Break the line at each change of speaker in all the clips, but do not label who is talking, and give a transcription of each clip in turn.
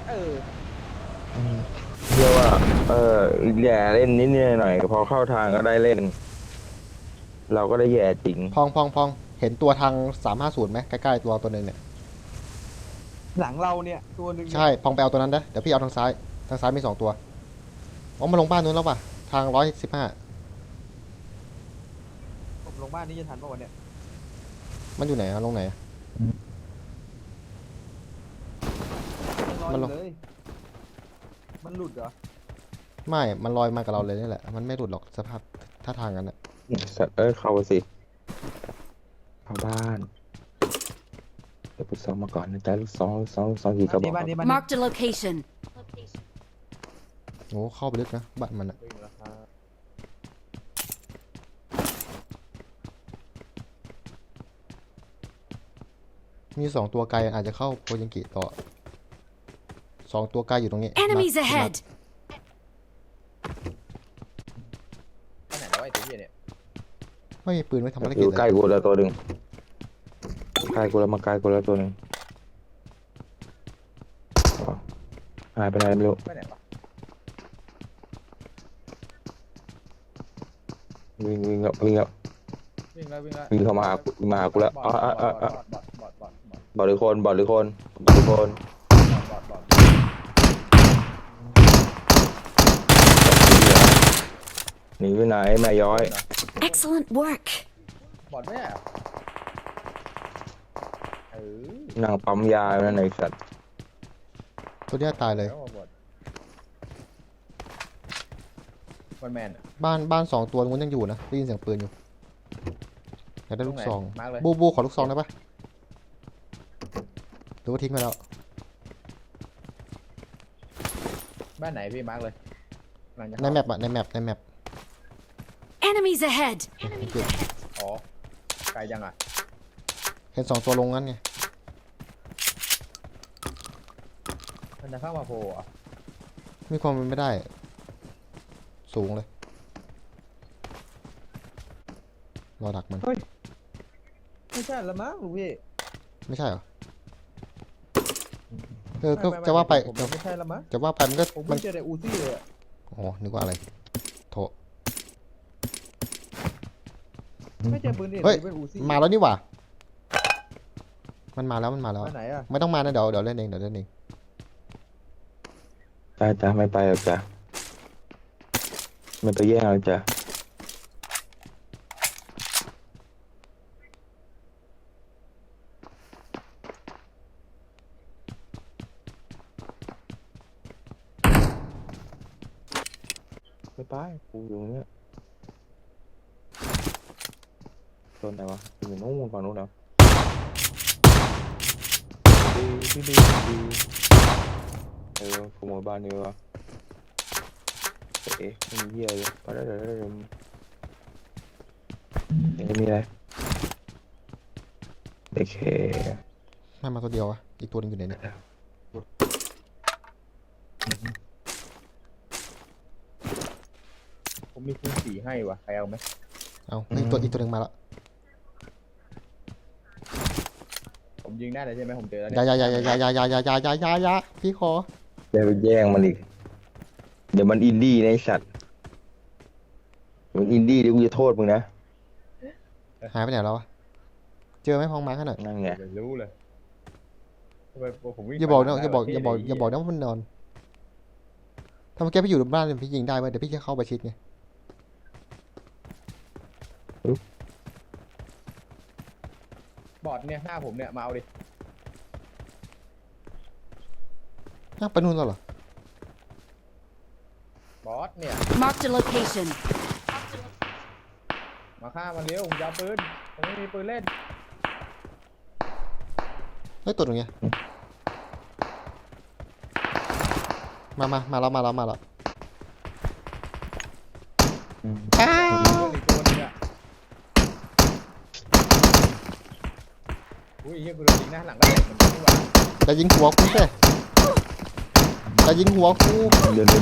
เออ
เชื่อว่าแย่เล่นนิดหน่อยพอเข้าทางก็ได้เล่นเราก็ได้แย่จริง
พองเห็นตัวทาง350ไหมใกล้ๆตัวหนึ่งเนี่ย
หลังเราเนี่ยตัวหนึ่งเนี่ย
ใช่พองไปเอาตัวนั้นนะเดี๋ยวพี่เอาทางซ้ายมี2 ตัวอ๋อมาลงบ้านนู้นแล้วป่ะทาง115
ผมลงบ้านนี้จะทันป่ะวันเนี่ย
มันอยู่ไหนอะลงไหนอะ
ยังรอ
มัน
อ
ลง
ยู่เลยมันหลุดเหรอ
ไม่มันลอยมากับเราเลยนี่แหละมันไม่หลุดหรอกสภาพท่าทางกันอะ
สัตว์เข้าสิเข้าบ้านเดี๋ยวไปซ้อมมาก่อนนะจ๊ะลูกซ้อมกี่กระบอก
บ้านนี้บ้านนี้
Marked a location.
โอ้เข้าไปลึกนะบ้านมันอะ
วิ่งแล้วครับ
มี2 ตัวไกลอาจจะเข้าโพยังกิต่อ2 ตัวไกลอยู่ตรงนี้
Enemies ahead.
ไปไหนแล้วไอ้ตัวเหี้ยเนี่ย
ไม่มีปืนไว้ทำภาร
อ
กิจ
ยู่
เลย
ใกล้กูแล้วตัวหนึ่งใกล้กูแล้วมาใกล้กูแล้วตัวหนึ่งหายไปไหนไม่รู้
ไปไหนวะ
วิ่งแล้ว
วิ่งแล้ววิ่งแล้ว
วิ่งเข้ามาหากูแล้ว
บอดบอดบอดบอดบอดบอดบอด
บอลหรือคนบอลหรือคน
บอดบอด
หนีไปไหนแม่ย้อย
Excellent work.
บอดไม่ได้เหรอเออ
นั่งปั๊มยาอยู่นั่นไอ้สัตว์
ตัวเนี้ยตายเลย
แล้วบอดวันแมนอะ
บ้าน2 ตัวมันยังอยู่นะได้ยินเสียงปืนอยู่อยากได้ลูกซอง
มาร์คเลย
บูขอลูกซองได้ปะหรือว่าทิ้งไปแล้ว
บ้านไหนพี่มาร์กเลยกำลังจะ
ในแมปอะในแมป
Enemies ahead.
อ๋อไกลยังอ่ะ
เห็น2 ตัวลงงั้นไง
มันจะเข้ามาโผล่เหรอ
มีความเป็นไม่ได้ สูงเลยรอดักมัน
ไม่ใช่ละมั้งลูกพี่
ไม่ใช่เหรอก็จะว่าไป
ผมไม่ใช่ละมั้ง
จะว่าไปมันก็
ผม
มั
ไม่
น
เจอแต่อูซี่เลยอะ
อ๋อนึกว่าอะไรโถ
ไม่เจอปืนเด็ด
เฮ้ย
เป็นอูซี่
มาแล้วนี่หว่ามันมาแล้ว
บ้านไหนอ่ะ
ไม่ต้องมานะเดี๋ยวเล่นเอง
จ้าไม่ไปหรอกจ้ะไม่ไปแย่งหรอกจ้ะไม่ไปกูอยู่เนี้ยโซนไหนวะอยู่นู้นฝั่งนู้นเหรอดีขโมยบ้านนี่วะไม่มีเหี้ยเลยไปได้ไม่มีอะไรโอเค
ไม่มาตัวเดียวอะอีกตัวนึงอยู่ไหนเนี่ย
ผมมีปืนสีให้วะใครเอาไหม
เอาอีกตัวนึงมาแล้ว
ผมยิงได้เลยใช่ไหมผมเจอแล้ว
อ
เนี่ย
ย่าพี่ขอ
เดี๋ยวไปแย่งมันอีกเดี๋ยวมันอินดี้ในะไอ้สัตว์มันอินดี้เดี๋ยวกูจะโทษมึงนะ
หายไปไหนแล้ววะเจอไหมพองมาขนาด
นั่งไง
เดี๋ยวรู้เลยทำไมผมวิ่ง
อย่าบอกนะ
ไป
อย่าบอกนะว่ามันนอนถ้าเมื่อกี้พี่อยู่ในบ้านพี่ยิงได้ไหมเดี๋ยวพี่จะเข้าไปชิดไง
บอดเนี่ยหน้าผมเนี่ยมาเอาดิ
อ้าวไปนู่นแล้วเหรอบ
อสเนี่ย
Marked a location.
มาฆ่ามันเร็วผมจะเอาปืนผมไม่มีปืนเล่น
เฮ้ยตัวตรงเนี้ยมาแล้วอ้า
เพื่อนอีกตัวนึงอ่ะอุ้ยเฮียกูโดนยิงหน้าหลังได้เหมือนกันนี่หว่า
จะยิงหัวกูสิจะยิงหัวกู
เดิน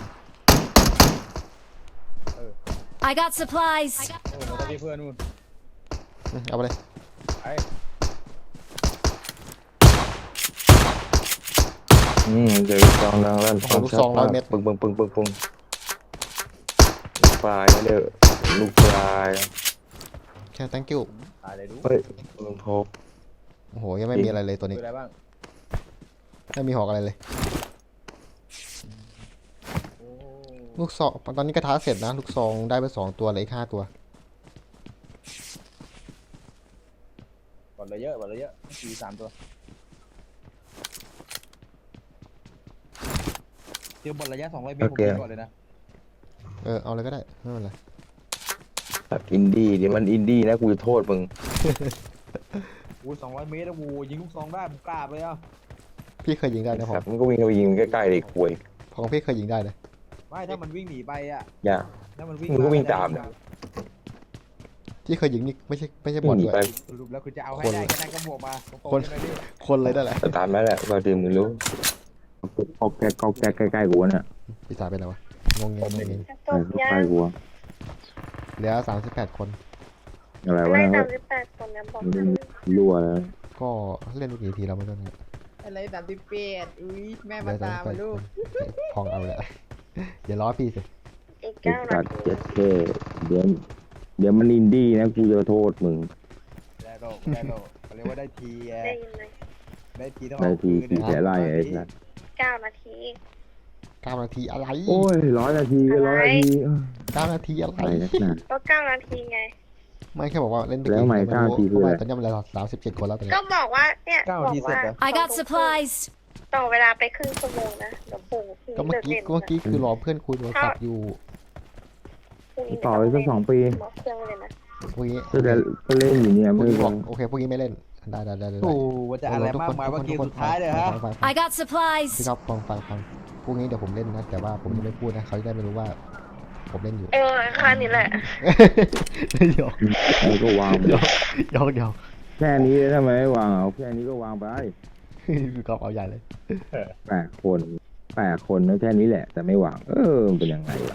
I got supplies.
โอ้โหตอนที่เพื่อนนู่น
เอาไปเลย
ไอ้
เดี๋ยวลูกซองดังลั่น
โอ้โหลูกซอง100 เมตร
ปึ้งปึ้งปึ้งปึ้งปึ้งลูกปลายไม่เด้อลูกปลาย
แค่ thank you
ตายเลยดู
เฮ้ยมึงพบ
โอ้โหยังไม่มีอะไรเลยตัว
คื
นี้
ออะไรบ้าง
ไม่มีหอกอะไรเลย
โอ้
ลูกซองตอนนี้กระทะเสร็จนะลูกซองได้ไป2 ตัวเหลยอีก5 ตัว
บอลเลยเยอะบอลเลยเยอะสี่3 ตัวเจอบอลระยะ200 เมตรผมยิงก่อนเลยนะ
เอาเลยก็ได้ไม่เป็นไร
แบบอินดี้เดี๋ยวมันอินดี้นะกูจะโทษมึง
อู้200 เมตรนะวูยิงลูกซองได้ผมกล้าไปอ่ะ
พี่เคยยิงได้นะผ
ครั
ม
บมันก็วิ่งเข้าไปยิงใกล้ๆเลยควย
ของพี่เคยยิงได้นะ
ไม่ถ้ามันวิ่งหนีไปอ่ะ
อย่า
ถ้ามันวิ่ง
มึงก็วิ่งตามเนี่ย
ที่เคยยิงนี่ไม่ใช่บ
วิ่
อง ล
หนี
ด้วย
ไป
สรุปแล้วคือจะเอาให้
คน
ได้แค่นั้นก็บวกมาตรง
คน
ๆใช่ไหมพี่
คนเลยได้แหละ
แต่ตามนั้นแหละบางทีมึงรู้ก็แก๊กใกล้ๆกูเนี่ย
พี่สายไปไหนวะงงเงงงงเงง
ใกล้ๆกู
เหลือ38 คน
อะไรวะ
ไล่
เนี่ย
38 คนนะบอก
รั่วแล้ว
ก็เล่นไปกี่ทีแล้วไม่รู้เนี่ย
อะไร38อุ้ยแม่
เห
มา
ลือ
ตามมา
38
ลูก
พองเอาแหละอย่าล้อพี่สิ
อีก
ไอ้
9
สั
นา
ตว์
ที
เจ็ดเท่เดี๋ยวมันอินดี้นะกูจะโทษมึง
แล้วก็เขาเรียกว่าได้ทีไง
ได้ยินไหม
ได้ทีต้อง
นา
เอา
ที
คืน
กี่แฉไล่ไอ้สัตว์
9 นาที
9 นาทีอะไร
โอ้ย100 นาทีก็100 นาที
9 นาทีอะไร
อะไรนักหนา
ก็9 นาทีไง
ไม่แค่บอกว่าเล่นไป
แล้ว
กี่
ไม่
ทีไม่รู้
9 นาที
เพ
คือ
ราะ
อะไร
ว่าตอนนี้มันเหลือ37 คนแล้วตอนนี้
ก็บอกว่าเนี่ย
9
บอ
นาที
ก
เสร็จ
ว่า
เหรอ
I got supplies.
ต่อเวลาไปครึ่งชั่วโมงนะเดี๋ยวปู่พรุ่ง
ก็
นี้
เมื่อ
เลิก
กี้
เล่น
คือรอเพื่อนคุยโทรศัพท์อยู่
พรุ่งนี้
ต่อไปสัก2 ปี
บอกเครื่องเลยนะ
พรุ่งนี้
ก็เล่นอยู่เนี่ย
พรุ่ง
ไม่
นี้
บ
บอก
อก
โอเคพรุ่งนี้ไม่เล่นได้
โอ้ว่าจะอะไรมากมายว่าเกมสุดท้ายเลยฮะ
ฟัง
I got
พี่
supplies.
ครับฟังพรุ่งนี้เดี๋ยวผมเล่นนะแต่ว่าผมจะไม่พูดนะเขาจะได้ไม่รู้ว่าผมเล่นอยู่
ค่านี้แหละ
หยอก
แล้วก็วางไป
หยอก
แค่นี้ทำไมไม่วางเอาแค่นี้ก็วางไป
พี่ครับเอาใหญ่เลย
8 คนนะแค่นี้แหละ แต่ไม่วางมันเป็นยังไงวะ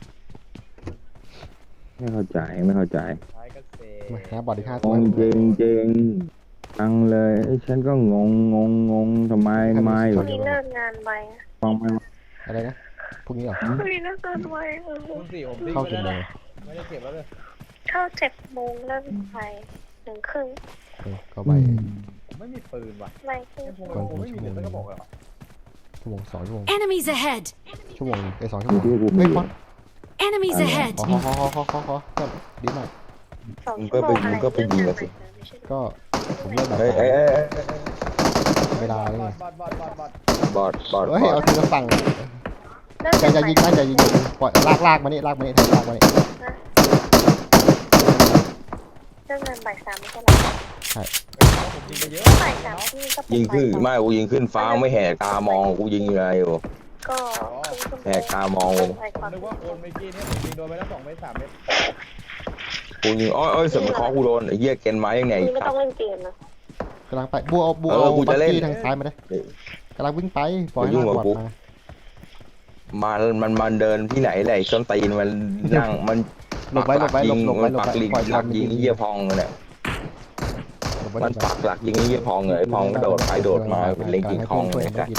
ไม่เข้าใจ
ท้ายก็เสร็จ
มาหาบอดอีก5
ง
ตัว
งเจงฟังเลยไอ้ฉันก็งงทำไม
พรุ่งนี้เลิกงานไวอะ
ฟังไม่
อะไรนะพรุ่งนี้เหรอ
พรุ่งนี้เลิกงานไว
คุณสี่ผมดิ้ง
เข้า
ไป
กี่
แล้ว
โมง
นะไม่ได้เก็บแล้วเลย
เข้า7 โมงเลิกไว1 ครึ่ง
ก็ไป
ผมไม่มีปืนว่ะ
ไวครึ่ง
ผมไม่มีเลยสักกระบอกเลยว่ะ
ชั่วโมง2 ชั่วโมง
Enemies ahead.
ชั่วโมง2 ชั่วโมง
ที่กู
เฮ้ยบอล
Enemies ahead.
ขอก็ดีมาก
2 ชั่วโมงอะไร
ก็ไปยิงกันสิ
ไม่ใช่
ก็ผมเล่นแบบ
เอ้ย
เวลาเลยไง
บอด
บอด
เฮ้ยเอาทีละฝั่ง
เลิก
จะยิงนะจะยิงปล่อยลากมานี่แทนลากมานี่
เลิกงานบ่าย 3ไม่ใช่เหรอ
ผมยิงไปเยอะ
บ่าย 3ที่ก็เป็น
ยิงขึ้น
บ่าย
ไม่กูยิงขึ้นฟ้าไม่แหกตามองกูยิงอะไรอยู่
ก็ครึ่งชั่วโมง
แหกตามอง
บ่าย
ผมนึกว่าคนเมื่อกี้เนี่ยผมยิงโดนไปแล้ว2 เมตร 3 เมตร
กูยิงอ้อยเสมอคอกูโดนไอ้เหี้ยเกนไม้ยังไง
คุณไม่ต้องเล่นเกมนะ
กำลังไปบัวเอา
กู
บั
จะ
ก
เล่น
กี้ทางซ้ายมาได้กำลังวิ่งไปปล่อย
อย่ายุ่
ให้
ง
ลาก
กั
บบ อด
กู
มา
มันเดินที่ไหนไหนส้นตีนมันนั่งมัน
หลบไว้
มันปักหลักยิงไอ้เหี้ยพองเลย มันปักหลักยิงไอ้เหี้ยพองเลยไอ้พองกระโดดไปโดดมาเป็นเล็งยิงคองเลยกัน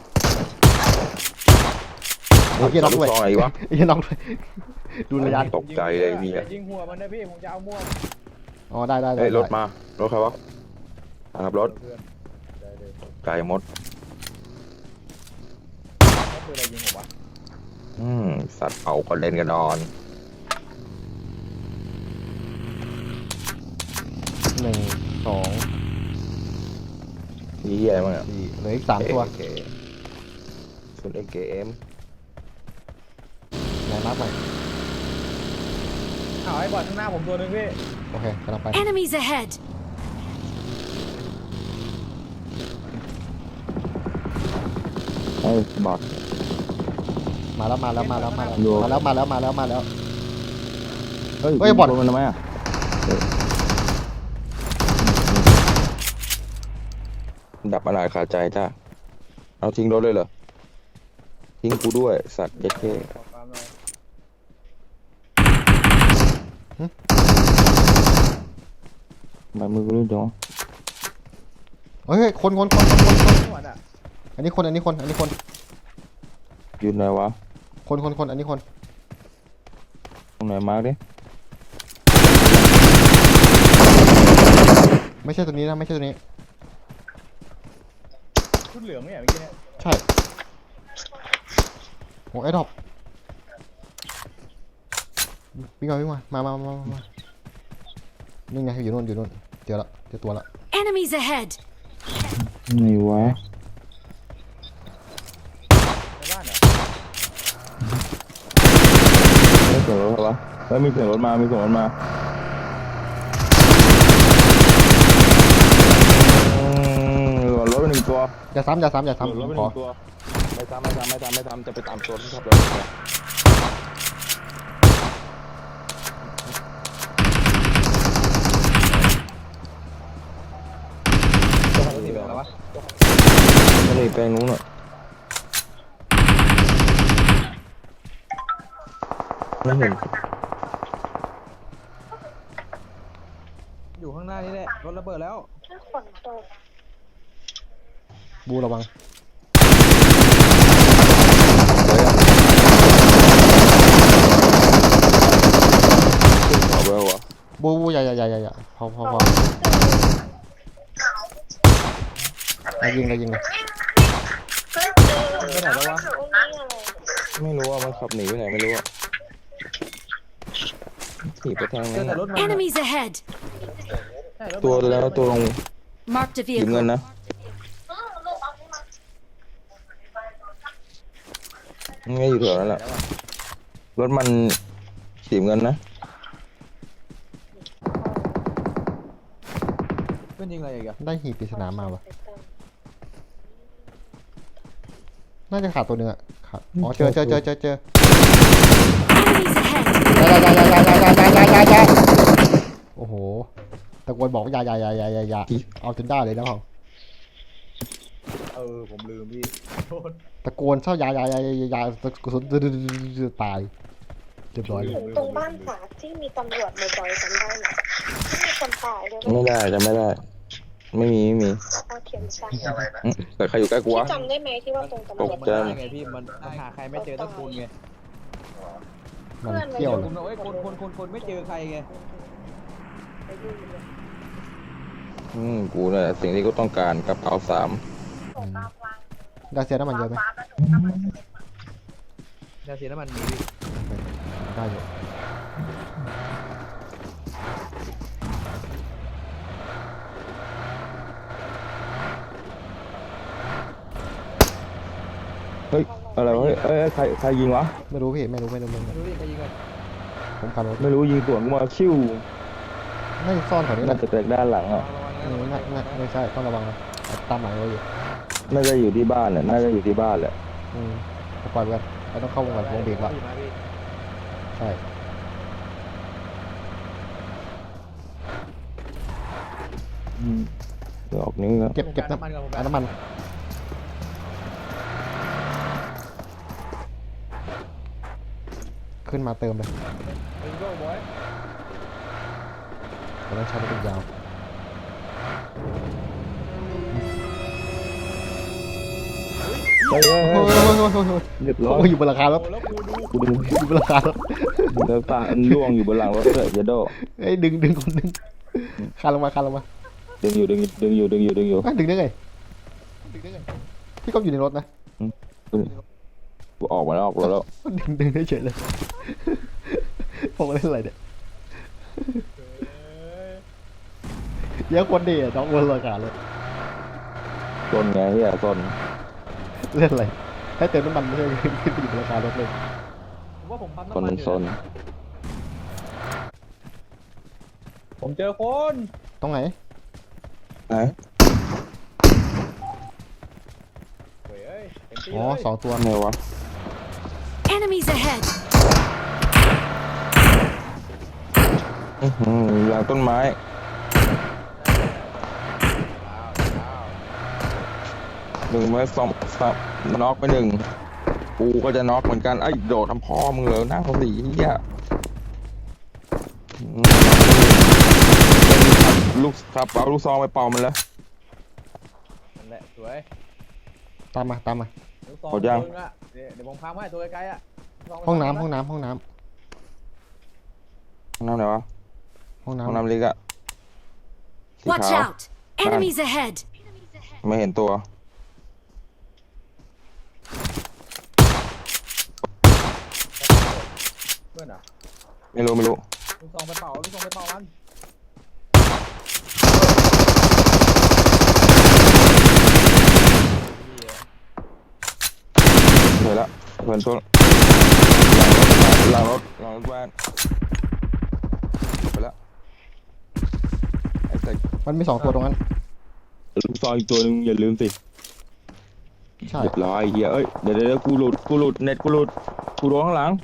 เอาเหี้ยน็อกด้วย
ซองอะไรวะ
ไอ้เหี้ยน็อกด้วยดูระยะ
ตกใจเลยพี่
อย่ายิงหัวมันนะพี่ผมจะเอาม่วง
อ๋อได้
เฮ้ยรถมารถใครวะขับรถ
เพื่อนได้เลย
ไก่มด
เขาคืออะไรยิงผมวะ
สัตว์เผาก็เล่นกันอ่อน
1 2
นี่เหี้ยอะไรมั้งอ่ะ
4เหลืออีก3 ตัว
ส่วนเอเกม
ไหนมาร์คใหม่
เอาไอ้บอดข้างหน้าผมตัวนึงพี่
โอเคกำลังไป
Enemies ahead.
ไอ้บอด
มาแล้ว
เฮ้ย
เฮ้ยบอด
มันทำไมอ่ะดับอะไรคาใจจ้าเอาทิ้งรถเลยเหรอทิ้งกูด้วยสัตว์เย็ดเท่
ขอความหน่อย
ทำไมมือกูรู้จัง
เฮ้ยคน
จังหวัดอ่ะ
อันนี้คนอันนี้คน
อยู่ไหนวะ
คนอันนี้คน
ตรงไหนมาร์กดิ
ไม่ใช่ตัวนี้นะไม่ใช่ตัวนี้
ชุดเหลืองเนี่ยเมื่อกี้เนี่ย
ใช่โอ้ไอ้ดอกวิ่งมานี่ไงอยู่นู่นเจอตัวละ
Enemies ahead!
ไหนวะ
ในบ้านเหรอ
ไม่เสียงรถวะแล้วมีเสียงรถมาหล่นรถไปหนึ่งตัว
อย่าซ้ำ
หล่นรถไปห
ขอ
นึ่งตัวไม่ซ้ำจะไปตามตัวที่ขับรถไป
ตัวไหนสีเหลืองแล้ววะ
ก็เลยแปลงนู้นอ่ะไม่เห็น
อยู่ข้างหน้านี่แหละรถระเบิดแล้ว
ถ้าฝนตก
บูระวัง
ขอบแล้ววะ
บูอย่าพอยิงเลย
ไปไหนแล้ววะ
ตรงนี้อะไร
ไม่รู้ว่ามันขับหนีไปไหนไม่รู้อ่ะขี่ไปทาง
เจอ
นั้น
แต่รถมัน
Enemies ahead!
ใช่รถมัน
ตัวแล้วตัวลง
Marked a
หยิบเงิน
vehicle.
นะไม่อยู่แถวนั้นแหละรถมันฉีบเงินนะ
เพื่อนยิงอะไรอีกอะ
ได้หีบปริศนามาวะน่าจะขาดตัวหนึ่งอะขาดอ๋อเจอ
Enemies ahead!
อย่าโอ้โหตะโกนบอกว่าอย่าเอาจนได้เลยนะของ
ผมลืมพี่โทษ
ตะโกนเช่าอย่ากระสุนตายเรียบร้อยเลย
ถึงตรงบ้านฝาที่มีตำรวจบ่อยๆจำได้ไหมที่มีคนตายด้วย
ไม่ได้จะไม่ได้ ไม่มี
เอาเข็มใส่
แต่ใครอยู่ใกล้กูวะ
ที่จำได้ไหมที่ว่าตรงตำรวจ
ตก
มัน
ใจ
ได้ไงพี่มันหาใครไม่เจอต้องคุณไง
มันเที่ยวเล
คุ
ย
ณเอาไว้คนไม่เจอใครไง
กูเนี่ยสิ่งที่กูต้องการกระเป๋า3
ได้เสียน้ำมันเยอะไหม
ยาเสียน้ำมันมีพี่
ได้อยู่
เฮ้ยอะไรวะเฮ้ยใครยิงวะ
ไม่รู้พี่ไม่รู้
ดูดิใครยิงกัน
ผมขับรถ
ไม่รู้ยิงสวนกูมาชิว
น่าจะซ่อนแถวนี้แห
น่า
ละ
จะจากด้านหลังอ่ะ
ไม่ใช่ต้องระวังนะตามหลังเราอยู่
น่าจะอยู่ที่บ้านแหละน่าจะอยู่ที่บ้านแหละ
ปล่อยไปกันเราต้องเข้าวงก่อนวงเบรกละใช่
เดี๋ยวออกนิ้วแล้ว
เก็บน้ำมันขึ้นมาเติมเลยเราต้องใช้รถเป็นยาว
เฮ้ย
โอ้ย
เรียบร้อย
อยู่บนราคารถ
กูดึง
อยู่บนราคารถ
เดี๋ยวตาล่วงอยู่บนหลังรถเลยอย่าโด
เอ้ยดึงคนดึงคานลงมา
ดึงอยู่
ดึงได้ไงพี่ก็อยู่ในรถนะ
กูออกมาแล้วแล้ว
ดึงได้เฉยเลยผมเล่นอะไรเนี่ยเยอะคนดีอ่ะน้องบนราคารถ
ซนไงเฮียซน
เล่นอะไรให้เติมน้ำมันไม่ใช่ขึ้นไปอยู่บนราคารถเลย
ผมว่าผมปั๊ม
ซ
น้ำมัน
ซน
ผมเจอคน
ตรงไหน
ไหน
เฮ้ยเต็มที่
อ๋อ
เลย
2 ตัว
ไหนวะ
Enemies ahead!
หลังต้นไม้1 ไม้2 น็อกไป1กูก็จะน็อกเหมือนกันไอ้โดดทำพ่อมึงเหรอหน้าเขาสีเฮียลูกครับเอาลูกซองไปเป่ามันแล้ว
นั่นแหละสวย
ตตามมาตามมา
ลูกซอง
หมดยัง
ตัวนึอะเดี๋ยวผมพังไว้ตัวไกลๆอ่ะลูกซ
ห้องน้ำ
ไป
ห้องน้ำห้องน้
ห้องน้ำไหนวะ
ำห้อง
ห้อง
น้ำ
น้ำเล็กอะสี
Watch
ขาว
out! Enemies ahead!
ไม่เห็นตัว
เพื่อนอ่ะ
ไม่รู้
ลูกซองไปเป่าลูกซองไปเป่ามัน
เห็นแล้วเพื่อนตัวหลังรถบ้านไปแล้วไอ้ใส่
มันมี2ตัวตรงนั้น
ลูกซองอีกตัวหนึงอย่าลืมสิ
ใช่
เรียบร้อยเฮียเอ้ยเดี๋ยวกูหลุดเน็ตกูหลุดกูโดนข้างหลัง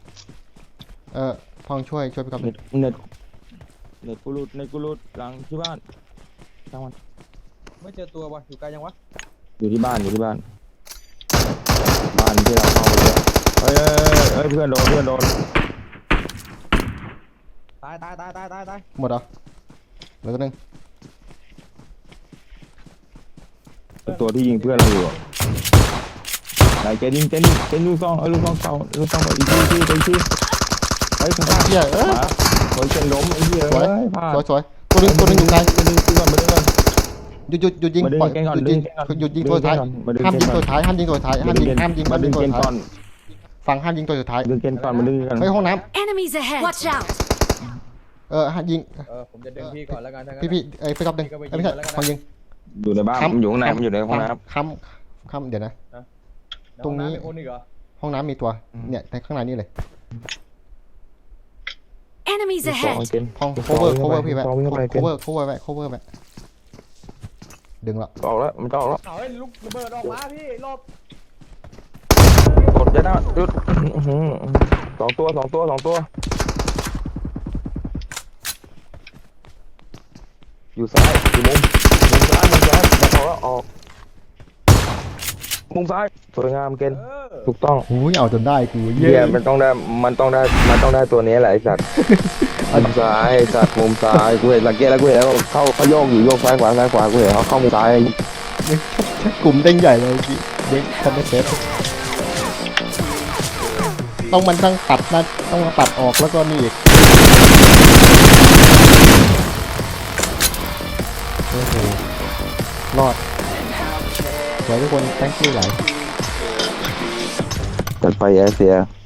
พองช่วยพี่ก๊อฟ
เน็ตกูหลุดหลังที่บ้านช่างมัน
ไม่เจอตัววะอยู่ไกลยังวะ
อยู่ที่บ้านบ้านที่เราเข้าไปเลยเฮ้ยเพื่อนโดน
ตาย
หมดเหรอเหลือตัวหนึง
ตัวที่ยิงเพื่อนเราอยู่อะไหนแกยิงลูกซองลูกซองเก่าลูกซองอีกทีเฮ้ยข้าง
เฮีย
ๆมาโอยเชนล้มไอ้เหี้ย
สวย
พลาด
สวยตัวหนึงอยู่ไกล
มาดึงก่อน
หยุดยิง
มาดึง
ปล่อย
เกมก่อน
หยุดยิงตัวสุดท้าย
มาดึง
ห้ามยิง
เกมก่
ตั
อ
วน สุดท้ายห้ามยิงตัวสุดท้ายห้ามยิงตัว
มาดึง
สุด
เกม
ท้าย
ก่อน
ฟังห้ามยิงตัวสุดท้าย
ดึงเกมก่อนมาดึงกัน
เฮ้ยห้องน้
Enemies ahead! Watch out!
ำห้ามยิง
ผมจะดึงพี่ก่อนแล้วกันถ้างั้น
พี่พี่ก๊อฟดึงไม่ใช่ฟังยิง
อยู่ในบ้านมันอยู่ข้างในมันอยู่ในห้องน้
ค้ำเดี๋ยวนะ ตรงนี้
ในห้อำมีคนอีกเหรอ
ห้องน้ำมีตัวเนี่ยในข้างในนี่เลย
Enemies
ำสอง
ahead!
เกม
ห้อง cover พี่ไว้
วิ่งเข้าไปเกม
cover ไว้ดึงละ
ออกแล้วมันจะออกแล้ว
เอาให้ลูกระเบิดออกมาพี่หลบ
กดยัดหน้าหยุดสองตัวอยู่ซ้ายอยู่มุมซ้ายมาพอแล้วออกมุมซ้ายสวยงามเกณฑ์ถูกต้อง
หูยเอาจนได้กู
เยี่ยมันต้องได้ตัวนี้แหละไอ้สัตว์มุมซ้ายสัตว์มุมซ้ายกูเห็นสังเกตแล้วกูเห็นแล้วเขาโยกอยู่โยกซ้ายขวากูเห็นเขาเข้ามุมซ้าย
กลุ่มเด้งใหญ่เลยพี่เด้งทำไม่เสร็จต้องมันต้องตัดนะต้องมาตัดออกแล้วก็นี่อีกโอ้โหรอดสวยทุกคน thank you หลาย
จัดไปแอร์เซีย